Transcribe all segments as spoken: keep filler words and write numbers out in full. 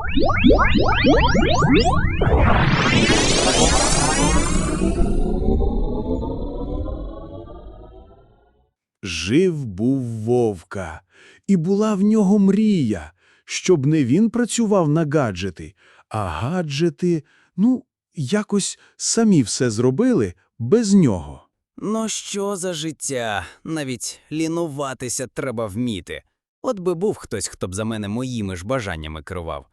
Жив-був Вовка, і була в нього мрія, щоб не він працював на гаджети, а гаджети, ну, якось самі все зробили без нього. Ну що за життя? Навіть лінуватися треба вміти. От би був хтось, хто б за мене моїми ж бажаннями керував.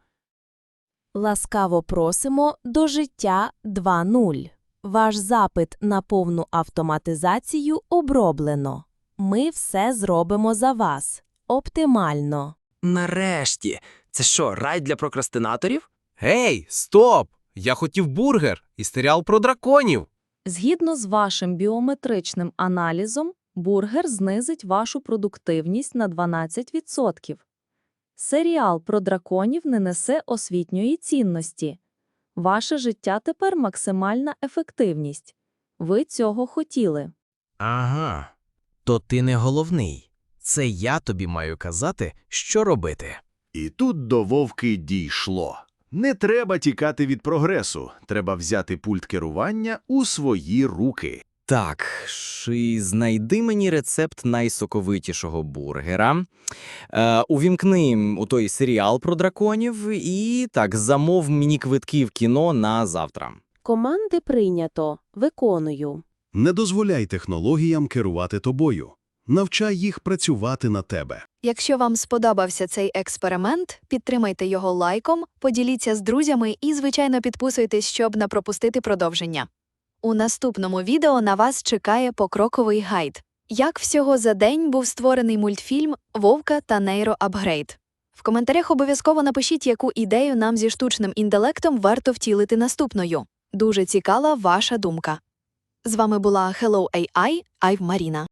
Ласкаво просимо до життя два нуль. Ваш запит на повну автоматизацію оброблено. Ми все зробимо за вас. Оптимально. Нарешті! Це що, рай для прокрастинаторів? Гей, стоп! Я хотів бургер і серіал про драконів. Згідно з вашим біометричним аналізом, бургер знизить вашу продуктивність на дванадцять відсотків. Серіал про драконів не несе освітньої цінності. Ваше життя тепер максимальна ефективність. Ви цього хотіли. Ага. То ти не головний. Це я тобі маю казати, що робити. І тут до Вовки дійшло. Не треба тікати від прогресу, треба взяти пульт керування у свої руки. Так, ши, знайди мені рецепт найсоковитішого бургера, е, увімкни у той серіал про драконів і, так, замов мені квитки в кіно на завтра. Команди прийнято. Виконую. Не дозволяй технологіям керувати тобою. Навчай їх працювати на тебе. Якщо вам сподобався цей експеримент, підтримайте його лайком, поділіться з друзями і, звичайно, підписуйтесь, щоб не пропустити продовження. У наступному відео на вас чекає покроковий гайд. Як всього за день був створений мультфільм «Вовка та нейроапгрейд». В коментарях обов'язково напишіть, яку ідею нам зі штучним інтелектом варто втілити наступною. Дуже цікава ваша думка. З вами була Hello ей ай, Айв Маріна.